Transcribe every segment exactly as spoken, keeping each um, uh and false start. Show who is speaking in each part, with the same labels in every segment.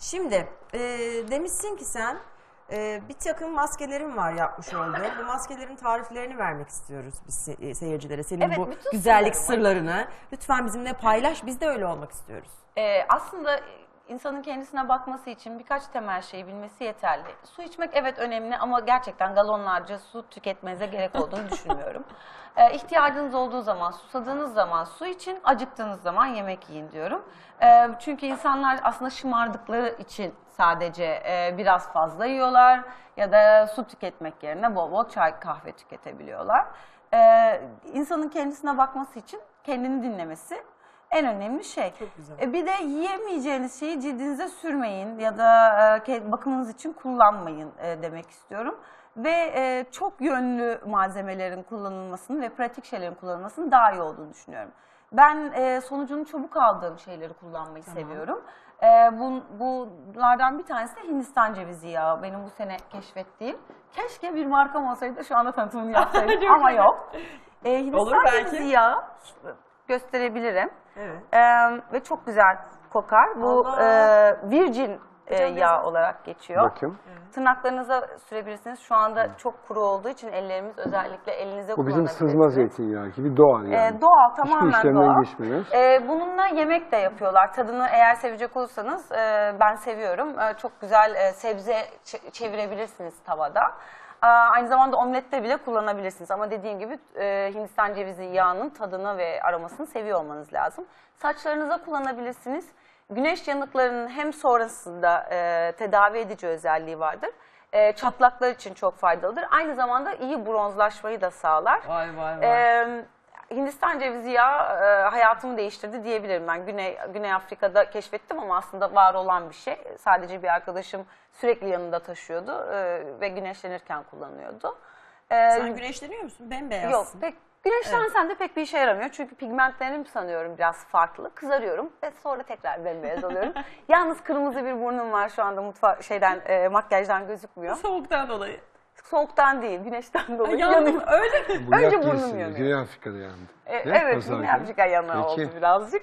Speaker 1: Şimdi e, demişsin ki sen e, bir takım maskelerin var yapmış olduğu. Bu maskelerin tariflerini vermek istiyoruz biz se- seyircilere. Senin
Speaker 2: Evet,
Speaker 1: bu
Speaker 2: bütün
Speaker 1: güzellik
Speaker 2: sırlarımı.
Speaker 1: sırlarını lütfen bizimle paylaş. Biz de öyle olmak istiyoruz.
Speaker 2: Ee, aslında insanın kendisine bakması için birkaç temel şeyi bilmesi yeterli. Su içmek evet önemli ama gerçekten galonlarca su tüketmenize gerek olduğunu düşünmüyorum. Ee, ihtiyacınız olduğu zaman, susadığınız zaman su için, acıktığınız zaman yemek yiyin diyorum. Ee, çünkü insanlar aslında şımardıkları için sadece e, biraz fazla yiyorlar ya da su tüketmek yerine bol bol çay, kahve tüketebiliyorlar. Ee, insanın kendisine bakması için kendini dinlemesi en önemli şey.
Speaker 1: Çok güzel.
Speaker 2: E, bir de yiyemeyeceğiniz şeyi cildinize sürmeyin ya da e, bakımınız için kullanmayın e, demek istiyorum. Ve e, çok yönlü malzemelerin kullanılmasını ve pratik şeylerin kullanılmasının daha iyi olduğunu düşünüyorum. Ben e, sonucunu çabuk aldığım şeyleri kullanmayı
Speaker 1: Tamam.
Speaker 2: seviyorum. E, bu, bunlardan bir tanesi de Hindistan cevizi yağı. Benim bu sene keşfettiğim. Keşke bir markam olsaydı şu anda tanıtımını yapsaydım ama yok. E, Hindistan
Speaker 1: Olur belki.
Speaker 2: cevizi yağı gösterebilirim.
Speaker 1: Evet.
Speaker 2: Ee, ve çok güzel kokar. Bu
Speaker 1: Allah!
Speaker 2: e, virgin e,
Speaker 1: Hocam
Speaker 2: yağ
Speaker 1: biraz-
Speaker 2: olarak geçiyor.
Speaker 3: Bakayım.
Speaker 2: Tırnaklarınıza sürebilirsiniz. Şu anda çok kuru olduğu için ellerimiz özellikle elinize
Speaker 3: Bu bizim
Speaker 2: kullanabilirsiniz.
Speaker 3: sızma zeytinyağı gibi doğal yani.
Speaker 2: Ee, doğal,
Speaker 3: Hiçbir
Speaker 2: tamamen
Speaker 3: işlemden
Speaker 2: doğal.
Speaker 3: geçmiyoruz.
Speaker 2: Ee, bununla yemek de yapıyorlar. Tadını eğer sevecek olursanız e, ben seviyorum. E, çok güzel e, sebze ç- çevirebilirsiniz tavada. Aa, aynı zamanda omlette bile kullanabilirsiniz. Ama dediğim gibi e, Hindistan cevizi yağının tadını ve aromasını seviyor olmanız lazım. Saçlarınıza kullanabilirsiniz. Güneş yanıklarının hem sonrasında e, tedavi edici özelliği vardır. E, çatlaklar için çok faydalıdır. Aynı zamanda iyi bronzlaşmayı da sağlar.
Speaker 1: Vay vay vay.
Speaker 2: Ee, Hindistan cevizi yağı e, hayatımı değiştirdi diyebilirim ben. Güney, Güney Afrika'da keşfettim ama aslında var olan bir şey. Sadece bir arkadaşım sürekli yanında taşıyordu e, ve güneşlenirken kullanıyordu. Ee,
Speaker 1: Sen güneşleniyor musun? Bembeyazsın.
Speaker 2: Yok, pek güneşlensen de pek bir işe yaramıyor. Çünkü pigmentlerim sanıyorum biraz farklı. Kızarıyorum ve sonra tekrar bembeyaz oluyorum. Yalnız kırmızı bir burnum var şu anda mutfak şeyden e, makyajdan gözükmüyor.
Speaker 1: Soğuktan dolayı.
Speaker 2: Soğuktan değil, güneşten dolayı
Speaker 1: Yandım
Speaker 2: yanıyor.
Speaker 1: öyle mi?
Speaker 3: Bu
Speaker 2: önce
Speaker 3: yak
Speaker 2: burnum
Speaker 3: değilsin,
Speaker 2: yanıyor.
Speaker 3: Güney Afrika'da yandı.
Speaker 2: E,
Speaker 3: Değil mi?
Speaker 2: evet,
Speaker 3: Pazar
Speaker 2: Güney
Speaker 3: günü.
Speaker 2: Afrika yanığı
Speaker 3: Peki.
Speaker 2: oldu birazcık.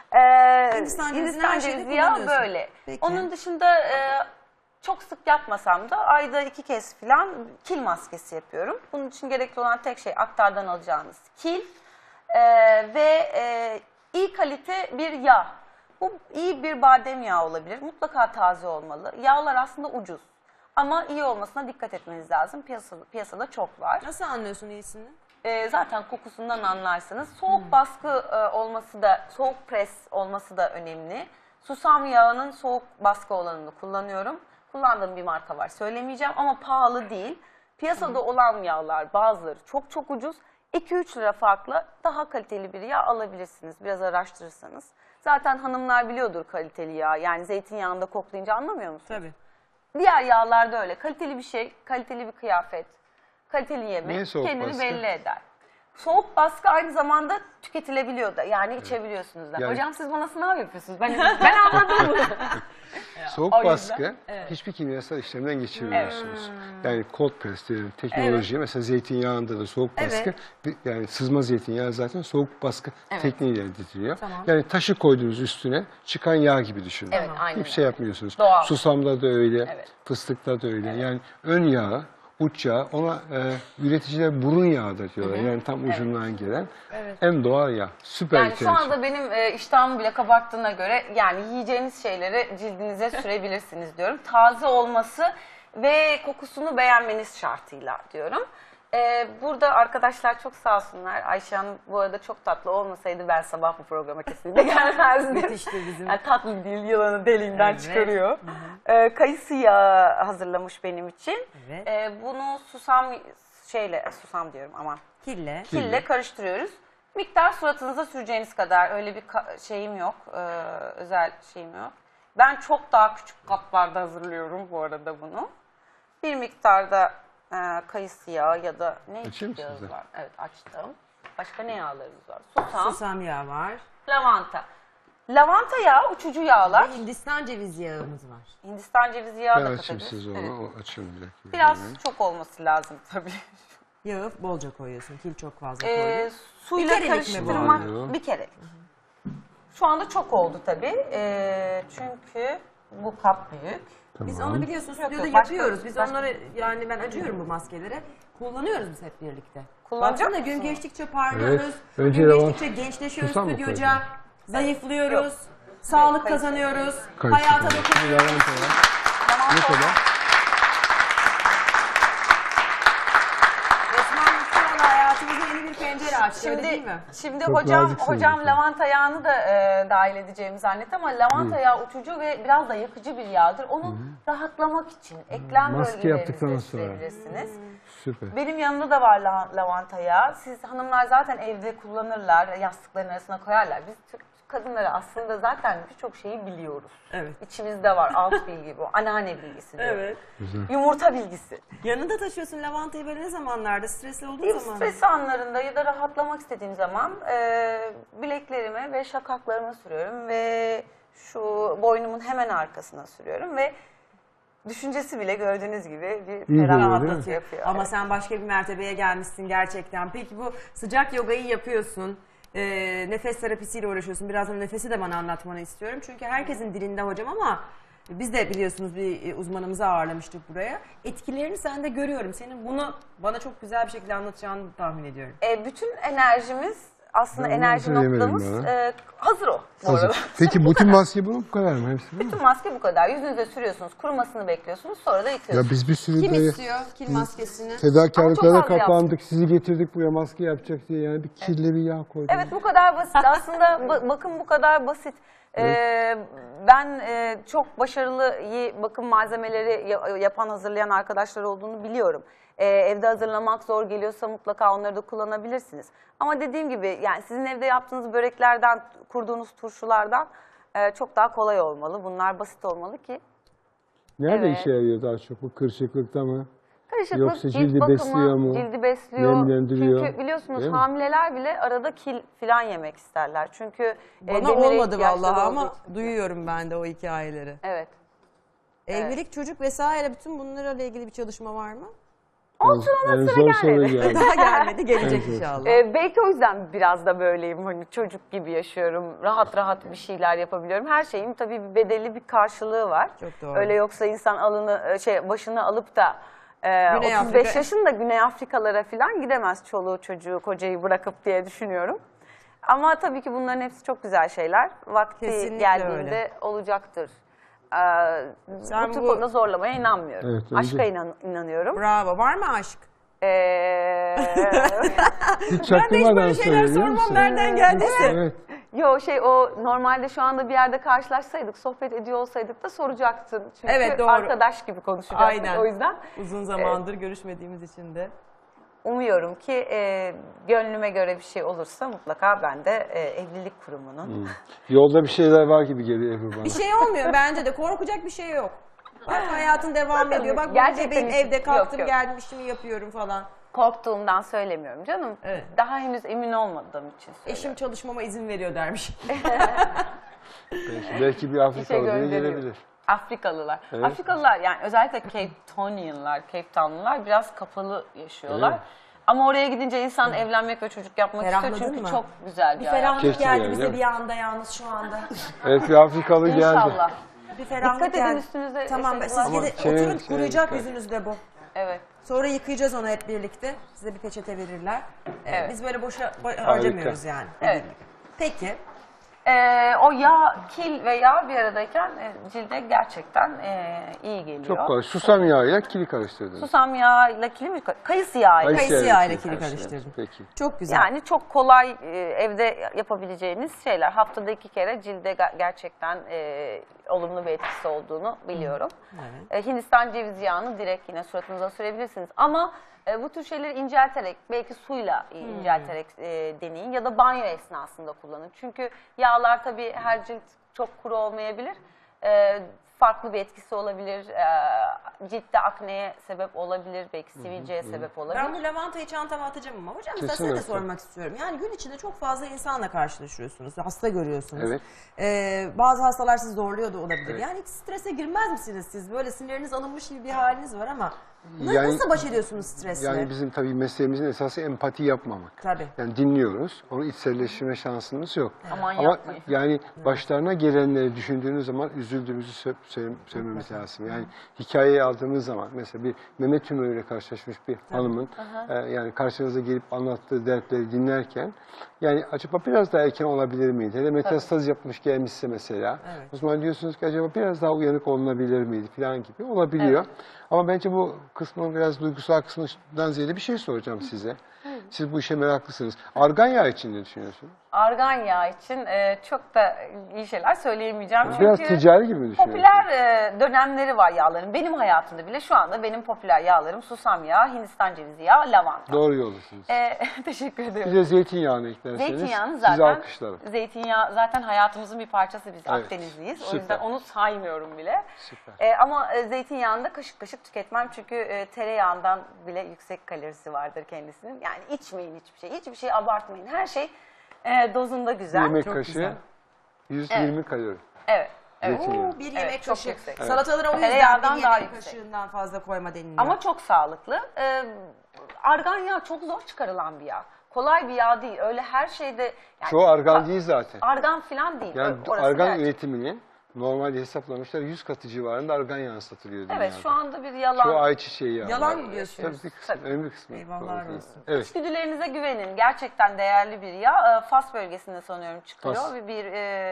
Speaker 2: Ee,
Speaker 1: Hindistan cevizini
Speaker 2: Hindistan
Speaker 1: her şeyde
Speaker 2: cevizi yağı
Speaker 1: kullanıyorsun.
Speaker 2: böyle.
Speaker 1: Peki.
Speaker 2: Onun dışında e, çok sık yapmasam da ayda iki kez falan kil maskesi yapıyorum. Bunun için gerekli olan tek şey aktardan alacağınız kil e, ve e, iyi kalite bir yağ. Bu iyi bir badem yağı olabilir. Mutlaka taze olmalı. Yağlar aslında ucuz. Ama iyi olmasına dikkat etmeniz lazım. Piyasada, piyasada çok var.
Speaker 1: Nasıl anlıyorsun iyisini?
Speaker 2: E, zaten kokusundan anlarsınız. Soğuk baskı e, olması da, soğuk pres olması da önemli. Susam yağının soğuk baskı olanını kullanıyorum. Kullandığım bir marka var, söylemeyeceğim ama pahalı değil. Piyasada olan yağlar bazıları çok çok ucuz. iki üç lira farklı daha kaliteli bir yağ alabilirsiniz biraz araştırırsanız. Zaten hanımlar biliyordur kaliteli yağ. Yani zeytinyağında koklayınca anlamıyor musunuz?
Speaker 1: Tabii.
Speaker 2: Diğer yağlarda öyle. Kaliteli bir şey, kaliteli bir kıyafet, kaliteli
Speaker 3: Niye
Speaker 2: yemek
Speaker 3: soğuk
Speaker 2: kendini
Speaker 3: baskı?
Speaker 2: belli eder. Soğuk baskı aynı zamanda tüketilebiliyor da. Yani içebiliyorsunuz da.
Speaker 3: Yani-
Speaker 2: Hocam siz bana sınav yapıyorsunuz. Ben, ben anladım bunu.
Speaker 3: Soğuk
Speaker 2: o yüzden,
Speaker 3: baskı hiçbir kimyasal işlemden geçirmiyorsunuz. Yani cold press diyelim teknoloji mesela zeytinyağında da soğuk
Speaker 1: Evet.
Speaker 3: baskı bir- yani sızma zeytinyağı zaten soğuk baskı
Speaker 2: Evet.
Speaker 3: tekniğiyle elde ediliyor.
Speaker 1: Tamam.
Speaker 3: Yani taşı koyduğunuz üstüne çıkan yağ gibi düşünün.
Speaker 2: Evet, aynen
Speaker 3: Hiçbir şey yapmıyorsunuz.
Speaker 2: Doğal.
Speaker 3: Susamda da öyle,
Speaker 2: Evet.
Speaker 3: fıstıkta da öyle. Yani ön yağı, uç yağı ona e, üreticiler burun yağı da diyorlar. Yani tam ucundan gelen en doğal yağ. Süper
Speaker 2: Yani
Speaker 3: bir
Speaker 2: şu
Speaker 3: tercih.
Speaker 2: anda benim e, iştahımı bile kabarttığına göre yani yiyeceğiniz şeyleri cildinize sürebilirsiniz diyorum. Taze olması ve kokusunu beğenmeniz şartıyla diyorum. E, burada arkadaşlar çok sağ olsunlar. Ayşe Hanım bu arada çok tatlı olmasaydı ben sabah bu programa kesinlikle gelmezdim.
Speaker 1: Müthiştir bizim.
Speaker 2: Yani tatlı değil, yılanı deliğinden
Speaker 1: Evet.
Speaker 2: çıkarıyor. E, kayısı yağı hazırlamış benim için.
Speaker 1: Evet.
Speaker 2: E, bunu susam şeyle, susam diyorum aman.
Speaker 1: Kille.
Speaker 2: Kille karıştırıyoruz. Miktar suratınıza süreceğiniz kadar öyle bir şeyim yok, e, özel şeyim yok. Ben çok daha küçük kaplarda hazırlıyorum bu arada bunu. Bir miktarda e, kayısı yağı ya da ne
Speaker 3: Açayım mı
Speaker 2: yağımız
Speaker 3: size?
Speaker 2: var? Evet açtım. Başka ne yağlarımız var? Susam,
Speaker 1: Susam yağı var.
Speaker 2: lavanta. Lavanta yağı uçucu yağlar.
Speaker 1: Ve Hindistan cevizi yağımız var.
Speaker 2: Hindistan cevizi yağı
Speaker 3: Ben
Speaker 2: da
Speaker 3: açayım
Speaker 2: katabiliriz.
Speaker 3: size onu.
Speaker 2: Evet.
Speaker 3: O açayım bir dakika.
Speaker 2: Biraz
Speaker 3: Yani.
Speaker 2: çok olması lazım tabii.
Speaker 1: Yağı bolca koyuyorsun. Kil çok fazla
Speaker 2: Ee,
Speaker 1: koyuyorsun.
Speaker 2: suyla
Speaker 1: Bir kerelik mi bu?
Speaker 2: karıştırmak
Speaker 3: Oluyor.
Speaker 2: bir kere. Şu anda çok oldu tabii. Ee, çünkü Bu kap büyük.
Speaker 1: Biz
Speaker 3: Tamam.
Speaker 1: onu biliyorsun stüdyoda
Speaker 2: yok, başka-
Speaker 1: yapıyoruz. Biz
Speaker 2: başka-
Speaker 1: onları yani ben acıyorum bu maskeleri. Kullanıyoruz biz hep birlikte.
Speaker 2: Kullanacak
Speaker 1: Baksana gün
Speaker 2: mısın?
Speaker 1: geçtikçe parlıyoruz.
Speaker 3: Evet. Önce
Speaker 1: Gün
Speaker 3: lavanta-
Speaker 1: geçtikçe gençleşiyoruz
Speaker 3: Susam mı
Speaker 1: stüdyoca.
Speaker 3: koydun?
Speaker 1: Zayıflıyoruz. Sağlık
Speaker 2: kayısı.
Speaker 1: kazanıyoruz.
Speaker 3: Kayısı
Speaker 1: Hayata
Speaker 3: koydum.
Speaker 1: dokunuyoruz.
Speaker 3: Lavanta var. Ne kadar?
Speaker 1: Resmen şu anda hayatımıza yeni bir pencere açtı öyle değil
Speaker 2: Şimdi,
Speaker 1: mi?
Speaker 2: şimdi
Speaker 3: Çok
Speaker 2: hocam
Speaker 3: naziksiniz
Speaker 2: hocam
Speaker 3: efendim.
Speaker 2: lavanta yağını da e, dahil edeceğimi zannetti ama lavanta yağı uçucu ve biraz da yakıcı bir yağdır. Onu rahatlamak için eklem
Speaker 3: Maske yaptıktan
Speaker 2: bölgelerinizde
Speaker 3: sonra.
Speaker 2: sürebilirsiniz.
Speaker 3: Süper.
Speaker 2: Benim yanımda da var la- lavanta yağı. Siz hanımlar zaten evde kullanırlar, yastıkların arasına koyarlar. Biz Türk kadınları aslında zaten birçok şeyi biliyoruz.
Speaker 1: Evet.
Speaker 2: İçimizde var alt bilgi bu, anneanne bilgisi diyor.
Speaker 1: Evet.
Speaker 2: Yumurta bilgisi.
Speaker 1: Yanında taşıyorsun lavantayı böyle ne zamanlarda? Stresli olduğun
Speaker 2: İlk
Speaker 1: zaman.
Speaker 2: stres anlarında ya da rahatlamak istediğim zaman e, bileklerime ve şakaklarıma sürüyorum ve şu boynumun hemen arkasına sürüyorum ve düşüncesi bile gördüğünüz gibi bir
Speaker 3: geliyor, değil mi?
Speaker 2: ferahlatı yapıyor.
Speaker 1: Ama sen başka bir mertebeye gelmişsin gerçekten. Peki bu sıcak yogayı yapıyorsun. e, nefes terapisiyle uğraşıyorsun. Birazdan nefesi de bana anlatmanı istiyorum. Çünkü herkesin dilinde hocam ama biz de biliyorsunuz bir uzmanımızı ağırlamıştık buraya. Etkilerini sen de görüyorum. Senin bunu bana çok güzel bir şekilde anlatacağını tahmin ediyorum.
Speaker 2: E, bütün enerjimiz aslında
Speaker 3: Ben onu
Speaker 2: enerji
Speaker 3: söyleyemedim
Speaker 2: noktamız
Speaker 3: bana.
Speaker 2: e, hazır o bu arada.
Speaker 3: Hazır. Peki bütün maske bu bu kadar mı? Hepsi bu mu?
Speaker 2: Bütün maske bu kadar. Yüzünüze sürüyorsunuz, kurumasını bekliyorsunuz, sonra da
Speaker 3: Ya
Speaker 2: yıkıyorsunuz.
Speaker 3: biz bir sürü
Speaker 1: Kim
Speaker 3: böyle
Speaker 1: istiyor kil maskesini?
Speaker 2: Ama
Speaker 3: fedakarlıklara
Speaker 2: çok az
Speaker 3: kaplandık. Sizi getirdik buraya maske yapacak diye. Yani bir kirli bir yağ koyduk.
Speaker 2: Evet bu kadar basit. Aslında ba- bakım bu kadar basit. Ee, ben e, çok başarılı iyi bakım malzemeleri ya- yapan, hazırlayan arkadaşlar olduğunu biliyorum. Ee, evde hazırlamak zor geliyorsa mutlaka onları da kullanabilirsiniz. Ama dediğim gibi yani sizin evde yaptığınız böreklerden, kurduğunuz turşulardan e, çok daha kolay olmalı. Bunlar basit olmalı ki.
Speaker 3: Nerede
Speaker 2: Evet.
Speaker 3: işe yarıyor daha çok? Bu kırışıklıkta mı?
Speaker 2: Karışıklık,
Speaker 3: Yoksa
Speaker 2: cilt
Speaker 3: cildi
Speaker 2: bakımı,
Speaker 3: besliyor mu?
Speaker 2: cildi besliyor.
Speaker 3: Nemlendiriyor.
Speaker 2: Çünkü biliyorsunuz
Speaker 3: Değil mi?
Speaker 2: hamileler bile arada kil falan yemek isterler. Çünkü e,
Speaker 1: Bana
Speaker 2: demire
Speaker 1: olmadı
Speaker 2: ihtiyaçları
Speaker 1: vallahi
Speaker 2: olduğu
Speaker 1: ama
Speaker 2: için.
Speaker 1: duyuyorum ben de o hikayeleri.
Speaker 2: Evet.
Speaker 1: Evlilik, çocuk vesaire bütün bunlarla ilgili bir çalışma var mı?
Speaker 2: Olsun
Speaker 3: En
Speaker 2: ona sıra
Speaker 3: zor soru
Speaker 2: gelmedi.
Speaker 3: geldi.
Speaker 1: Daha gelmedi, gelecek
Speaker 3: Evet.
Speaker 1: inşallah.
Speaker 2: Ee, belki o yüzden biraz da böyleyim. Hani çocuk gibi yaşıyorum. Rahat rahat bir şeyler yapabiliyorum. Her şeyin tabii bir bedeli, bir karşılığı var.
Speaker 1: Çok doğru.
Speaker 2: Öyle yoksa insan alını şey başını alıp da e,
Speaker 1: Güney
Speaker 2: otuz beş
Speaker 1: Afrika-
Speaker 2: yaşında Güney Afrikalara falan gidemez çoluğu çocuğu kocayı bırakıp diye düşünüyorum. Ama tabii ki bunların hepsi çok güzel şeyler. Vakti
Speaker 1: Kesinlikle
Speaker 2: geldiğinde
Speaker 1: öyle.
Speaker 2: olacaktır. Ee,
Speaker 1: Sen
Speaker 2: bu tür
Speaker 1: bu-
Speaker 2: konuda zorlamaya inanmıyorum.
Speaker 3: Evet, önce-
Speaker 2: Aşka inan- inanıyorum.
Speaker 1: Bravo. Var mı aşk?
Speaker 2: Ee,
Speaker 3: Hiç
Speaker 1: Ben de hiç
Speaker 3: çaktırmadan
Speaker 1: böyle şeyler
Speaker 3: söylüyor
Speaker 1: sormam
Speaker 3: musun?
Speaker 1: nereden geldiyse.
Speaker 3: Evet.
Speaker 2: Yo şey o normalde şu anda bir yerde karşılaşsaydık, sohbet ediyor olsaydık da soracaktın. Çünkü
Speaker 1: Evet, doğru.
Speaker 2: arkadaş gibi konuşacaktık.
Speaker 1: Aynen.
Speaker 2: O yüzden
Speaker 1: Uzun zamandır görüşmediğimiz için de.
Speaker 2: umuyorum ki e, gönlüme göre bir şey olursa mutlaka ben de e, evlilik kurumunun.
Speaker 3: Yolda bir şeyler var gibi geliyor Ebru bana.
Speaker 1: Bir şey olmuyor bence de. Korkacak bir şey yok. Bak hayatın devam
Speaker 2: Bakın,
Speaker 1: ediyor. Bak
Speaker 2: gerçekten
Speaker 1: benim
Speaker 2: hiç-
Speaker 1: evde kalktım
Speaker 2: yok, yok.
Speaker 1: geldim işimi yapıyorum falan.
Speaker 2: Korktuğumdan söylemiyorum canım.
Speaker 1: Evet.
Speaker 2: Daha henüz emin olmadığım için söylüyorum.
Speaker 1: Eşim çalışmama izin veriyor dermiş.
Speaker 3: Belki, belki bir Afrikalı biri
Speaker 2: gönderiyor.
Speaker 3: gelebilir.
Speaker 2: Afrikalılar.
Speaker 3: Evet.
Speaker 2: Afrikalılar yani özellikle Cape Townianlar, Cape Townlular biraz kapalı yaşıyorlar.
Speaker 3: Evet.
Speaker 2: Ama oraya gidince insan evlenmek ve çocuk yapmak
Speaker 1: Ferahladın
Speaker 2: istiyor çünkü
Speaker 1: mı?
Speaker 2: çok güzel bir,
Speaker 1: Bir
Speaker 2: hayat.
Speaker 1: ferahlık
Speaker 3: Keşke
Speaker 1: geldi
Speaker 3: yani,
Speaker 1: bize
Speaker 3: değil mi?
Speaker 1: bir anda yalnız şu anda.
Speaker 3: Evet bir Afrikalı geldi.
Speaker 2: İnşallah.
Speaker 1: Bir ferahlık
Speaker 2: Dikkat edin
Speaker 1: geldi.
Speaker 2: üstünüze
Speaker 1: Tamam
Speaker 2: şey
Speaker 1: siz
Speaker 2: bulaşmasın.
Speaker 1: gidin
Speaker 3: Şey-
Speaker 1: oturun
Speaker 3: şey-
Speaker 1: kuruyacak
Speaker 3: şey-
Speaker 1: yüzünüzde bu.
Speaker 2: Evet.
Speaker 1: Sonra yıkayacağız onu hep birlikte. Size bir peçete verirler. Ee,
Speaker 2: Evet.
Speaker 1: Biz böyle boşa bo- harcamıyoruz yani.
Speaker 2: Evet.
Speaker 1: Peki.
Speaker 2: Ee, o yağ, kil ve yağ bir aradayken e, cilde gerçekten e, iyi geliyor.
Speaker 3: Çok kolay. Susam yağıyla kili karıştırdınız.
Speaker 2: Susam yağıyla kili mi? Kayısı yağıyla.
Speaker 1: Kayısı
Speaker 3: yağıyla
Speaker 1: yağıyla
Speaker 3: kili
Speaker 1: kili
Speaker 3: karıştırdınız.
Speaker 1: karıştırdım.
Speaker 3: Peki.
Speaker 1: Çok güzel.
Speaker 2: Yani çok kolay e, evde yapabileceğiniz şeyler. Haftada iki kere cilde ga- gerçekten e, olumlu bir etkisi olduğunu biliyorum.
Speaker 1: Evet.
Speaker 2: E, Hindistan cevizi yağını direkt yine suratınıza sürebilirsiniz. Ama e, bu tür şeyleri incelterek, belki suyla e, incelterek e, deneyin ya da banyo esnasında kullanın. Çünkü yağlar tabii her cilt çok kuru olmayabilir. E, farklı bir etkisi olabilir. E, ciltte akneye sebep olabilir, belki sivilceye sebep olabilir.
Speaker 1: Ben bu lavantayı çantama atacağım ama hocam size
Speaker 3: Kesinlikle.
Speaker 1: de sormak istiyorum. Yani gün içinde çok fazla insanla karşılaşıyorsunuz, hasta görüyorsunuz.
Speaker 3: Evet.
Speaker 1: Ee, bazı hastalar sizi zorluyor da olabilir. Yani hiç strese girmez misiniz siz? Böyle sinirleriniz alınmış gibi bir haliniz var ama na-
Speaker 3: Yani-
Speaker 1: nasıl baş ediyorsunuz stresle?
Speaker 3: Yani bizim tabii mesleğimizin esası empati yapmamak.
Speaker 1: Tabii.
Speaker 3: Yani dinliyoruz, onu içselleştirme şansımız yok.
Speaker 2: Aman
Speaker 3: Ama
Speaker 2: yapmayın.
Speaker 3: yani başlarına gelenleri düşündüğünüz zaman üzüldüğümüzü sö- söyle- söylememiz lazım. Yani hikayeyi aldığımız zaman mesela bir meme tümörüyle karşılaşmış bir hanımın e, yani karşınıza gelip anlattığı dertleri dinlerken yani acaba biraz daha erken olabilir miydi? Hele metastaz yapmış gelmişse mesela
Speaker 1: Evet.
Speaker 3: o zaman diyorsunuz ki acaba biraz daha uyanık olunabilir miydi falan gibi olabiliyor. Ama bence bu kısmın biraz duygusal kısmından ziyade bir şey soracağım size. Siz bu işe meraklısınız. Argan yağı için ne düşünüyorsunuz?
Speaker 2: Argan yağı için e, çok da iyi şeyler söyleyemeyeceğim.
Speaker 3: Biraz
Speaker 2: Çünkü
Speaker 3: ticari gibi mi düşünüyorsunuz?
Speaker 2: popüler e, dönemleri var yağların. Benim hayatımda bile şu anda benim popüler yağlarım susam yağı, Hindistan cevizi yağı, lavanta.
Speaker 3: Doğru yoldasınız.
Speaker 2: E, teşekkür
Speaker 3: Bir
Speaker 2: ederim.
Speaker 3: de zeytinyağını eklerseniz
Speaker 2: Zeytinyağını
Speaker 3: sizi
Speaker 2: zaten,
Speaker 3: alkışlarım.
Speaker 2: zeytinyağı zaten hayatımızın bir parçası, biz
Speaker 3: Evet,
Speaker 2: Akdenizliyiz. O
Speaker 3: süper.
Speaker 2: yüzden onu saymıyorum bile.
Speaker 3: Süper.
Speaker 2: E, ama e, zeytinyağını da kaşık kaşık tüketmem çünkü e, tereyağından bile yüksek kalorisi vardır kendisinin. Yani içmeyin hiçbir şey, hiçbir şey abartmayın. Her şey e, dozunda
Speaker 3: Bir
Speaker 2: güzel.
Speaker 3: yemek
Speaker 1: çok
Speaker 3: kaşığı
Speaker 1: güzel.
Speaker 3: yüz yirmi kalori.
Speaker 2: Evet. Evet.
Speaker 3: Zeytinyağı.
Speaker 1: Oo, bir
Speaker 2: Evet,
Speaker 1: yemek
Speaker 2: çok
Speaker 1: kaşığı.
Speaker 2: yüksek. Evet.
Speaker 1: Salatalara o yüzden
Speaker 2: Tereyağından
Speaker 1: bir
Speaker 2: daha
Speaker 1: yemek
Speaker 2: yüksek.
Speaker 1: kaşığından fazla koyma deniliyor.
Speaker 2: Ama çok sağlıklı. Ee, argan yağı çok zor çıkarılan bir yağ. Kolay bir yağ değil. Öyle her şeyde... Yani,
Speaker 3: Çoğu argan değil zaten.
Speaker 2: Argan falan değil.
Speaker 3: Yani
Speaker 2: Ö- orası
Speaker 3: argan
Speaker 2: gerçek.
Speaker 3: üretiminin normalde hesaplamışlar yüz katı civarında argan yağı satılıyor dünyada.
Speaker 2: Evet, şu anda bir yalan.
Speaker 3: Çoğu ayçiçeği yağı.
Speaker 1: Yalan
Speaker 3: var.
Speaker 1: mı diyorsunuz?
Speaker 3: Tabii bir kısmı,
Speaker 2: Tabii.
Speaker 3: önemli bir kısmı.
Speaker 1: Eyvahlar
Speaker 3: Doğru değil.
Speaker 1: olsun.
Speaker 3: Evet.
Speaker 2: İçgüdülerinize güvenin. Gerçekten değerli bir yağ. Ee, Fas bölgesinde sanıyorum çıkıyor.
Speaker 3: Fas.
Speaker 2: Bir, bir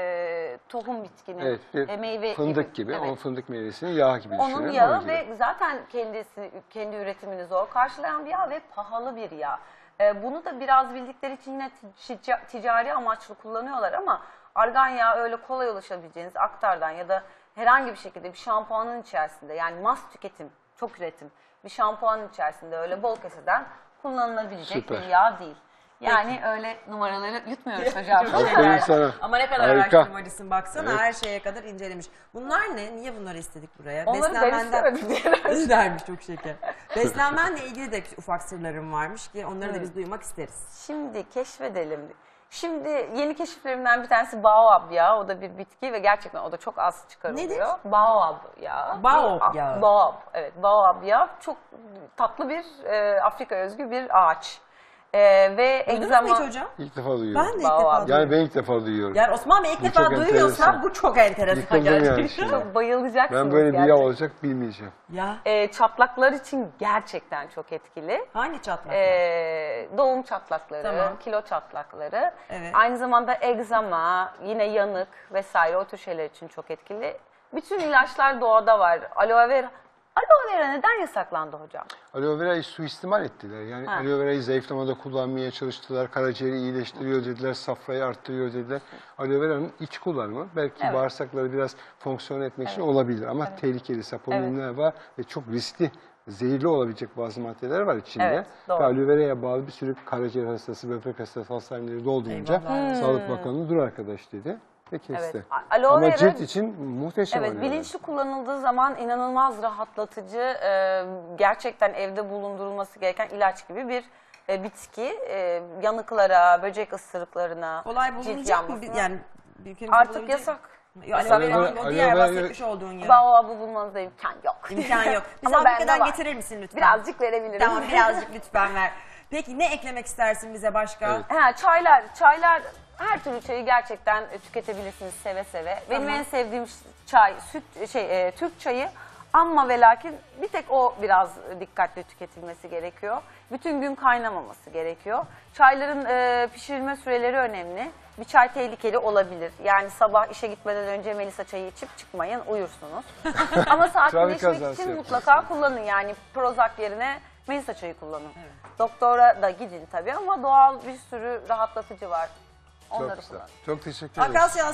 Speaker 2: e, tohum bitkinin
Speaker 3: Evet, bir
Speaker 2: e, meyve
Speaker 3: fındık gibi,
Speaker 2: Evet.
Speaker 3: o fındık meyvesinin yağı gibi düşünün.
Speaker 2: Onun
Speaker 3: onun
Speaker 2: yağı
Speaker 3: gibi.
Speaker 2: ve zaten kendisi kendi üretimini zor karşılayan bir yağ ve pahalı bir yağ. Ee, bunu da biraz bildikleri için yine tica- ticari amaçlı kullanıyorlar ama argan yağı öyle kolay ulaşabileceğiniz aktardan ya da herhangi bir şekilde bir şampuanın içerisinde, yani mas tüketim, çok üretim bir şampuanın içerisinde öyle bol keseden kullanılabilecek
Speaker 3: Süper.
Speaker 2: bir yağ değil. Yani öyle numaraları yutmuyoruz hocam.
Speaker 1: Çok
Speaker 3: Aferin
Speaker 1: şeker.
Speaker 3: sana.
Speaker 1: Ama ne kadar
Speaker 3: Harika.
Speaker 1: araştırmacısın baksana,
Speaker 3: Evet.
Speaker 1: her şeye kadar incelemiş. Bunlar ne? Niye bunları istedik buraya?
Speaker 2: Onları ben istemedim diye.
Speaker 1: İstermiş, çok şeker. Beslenmenle ilgili de ufak sırlarım varmış ki onları da biz duymak isteriz.
Speaker 2: Şimdi keşfedelim. Şimdi yeni keşiflerimden bir tanesi baobab yağı. O da bir bitki ve gerçekten o da çok az çıkarılıyor.
Speaker 1: Nedir?
Speaker 2: Baobab yağı.
Speaker 1: Baobab
Speaker 2: Bir-
Speaker 1: yağı.
Speaker 2: Baobab, evet. Baobab yağı çok tatlı bir e, Afrika özgü bir ağaç. E, ve
Speaker 1: Duydunuz mu
Speaker 2: egzama...
Speaker 1: hiç hocam?
Speaker 3: İlk defa duyuyorum.
Speaker 1: Ben de ilk
Speaker 2: Baobab.
Speaker 1: defa
Speaker 3: Yani
Speaker 1: duyuyorum.
Speaker 3: ben ilk defa duyuyorum.
Speaker 1: Yani Osman Bey ilk
Speaker 3: Bu
Speaker 1: defa
Speaker 3: çok
Speaker 1: duyuyorsa
Speaker 3: enteresan.
Speaker 1: bu çok enteresan
Speaker 3: Yıkıldım yani
Speaker 1: gerçekten.
Speaker 3: şimdi.
Speaker 2: Çok bayılacaksınız
Speaker 3: Ben böyle bir yağ
Speaker 2: gerçekten.
Speaker 3: olacak bilmeyeceğim.
Speaker 1: Ya
Speaker 2: E, çatlaklar için gerçekten çok etkili.
Speaker 1: hangi çatlak?
Speaker 2: Ee, doğum çatlakları,
Speaker 1: Tamam.
Speaker 2: kilo çatlakları,
Speaker 1: Evet.
Speaker 2: aynı zamanda egzama, yine yanık vesaire o tür şeyler için çok etkili. Bütün ilaçlar doğada var. Aloe vera, aloe vera neden yasaklandı hocam?
Speaker 3: Aloe vera'yı suistimal ettiler. Yani
Speaker 2: Ha.
Speaker 3: aloe vera'yı zayıflamada kullanmaya çalıştılar. Karaciğeri iyileştiriyor dediler, safrayı arttırıyor dediler. Aloe vera'nın iç kullanımı belki
Speaker 2: Evet.
Speaker 3: bağırsakları biraz fonksiyon etmek için olabilir. Ama tehlikeli saponinler var ve çok riskli, zehirli olabilecek bazı maddeler var içinde.
Speaker 2: Evet, doğru.
Speaker 3: Ve aloe vera'ya bağlı bir sürü karaciğer hastası, böbrek hastası, hastaneleri dolduğunca
Speaker 1: Eyvallah.
Speaker 3: Sağlık Bakanı dur arkadaş dedi ve kesti.
Speaker 2: Evet. A- aloe
Speaker 3: Ama
Speaker 2: vera-
Speaker 3: cilt için muhteşem
Speaker 2: Evet,
Speaker 3: aloe vera.
Speaker 2: bilinçli kullanıldığı zaman inanılmaz rahatlatıcı, e, gerçekten evde bulundurulması gereken ilaç gibi bir e, bitki. E, yanıklara, böcek ısırıklarına,
Speaker 1: Kolay
Speaker 2: cilt
Speaker 1: bulunacak mı?
Speaker 2: yanmasına.
Speaker 1: Yani ülkemizde
Speaker 2: Artık
Speaker 1: bulabilecek-
Speaker 2: yasak.
Speaker 1: Ya, aloe
Speaker 2: Yasak.
Speaker 1: vera değil, o
Speaker 3: Aloe
Speaker 1: diğer
Speaker 3: vera-
Speaker 1: bahsetmiş olduğun ya.
Speaker 2: Baobab'ı bulmanızda imkan yok.
Speaker 1: İmkan yok. Bize
Speaker 2: Ama bende
Speaker 1: Afrika'dan
Speaker 2: var.
Speaker 1: getirir misin lütfen?
Speaker 2: Birazcık verebilirim.
Speaker 1: Tamam, birazcık lütfen ver. Peki ne eklemek istersin bize başka?
Speaker 3: Evet.
Speaker 2: Ha, çaylar, çaylar her türlü çayı gerçekten e, tüketebilirsiniz seve seve. Benim
Speaker 1: Tamam.
Speaker 2: en sevdiğim çay, süt şey e, Türk çayı. Ama ve lakin bir tek o biraz dikkatli tüketilmesi gerekiyor. Bütün gün kaynamaması gerekiyor. Çayların e, pişirilme süreleri önemli. Bir çay tehlikeli olabilir. Yani sabah işe gitmeden önce Melisa çayı içip çıkmayın, uyursunuz. Ama sakinleşmek
Speaker 3: kazası
Speaker 2: için
Speaker 3: yapacaksın.
Speaker 2: mutlaka kullanın. Yani Prozac yerine Melisa çayı kullanın. Doktora da gidin tabii ama doğal bir sürü rahatlatıcı var.
Speaker 3: Çok
Speaker 2: Onları
Speaker 3: güzel.
Speaker 2: kullanın.
Speaker 3: Çok teşekkür ederim.
Speaker 1: Akasya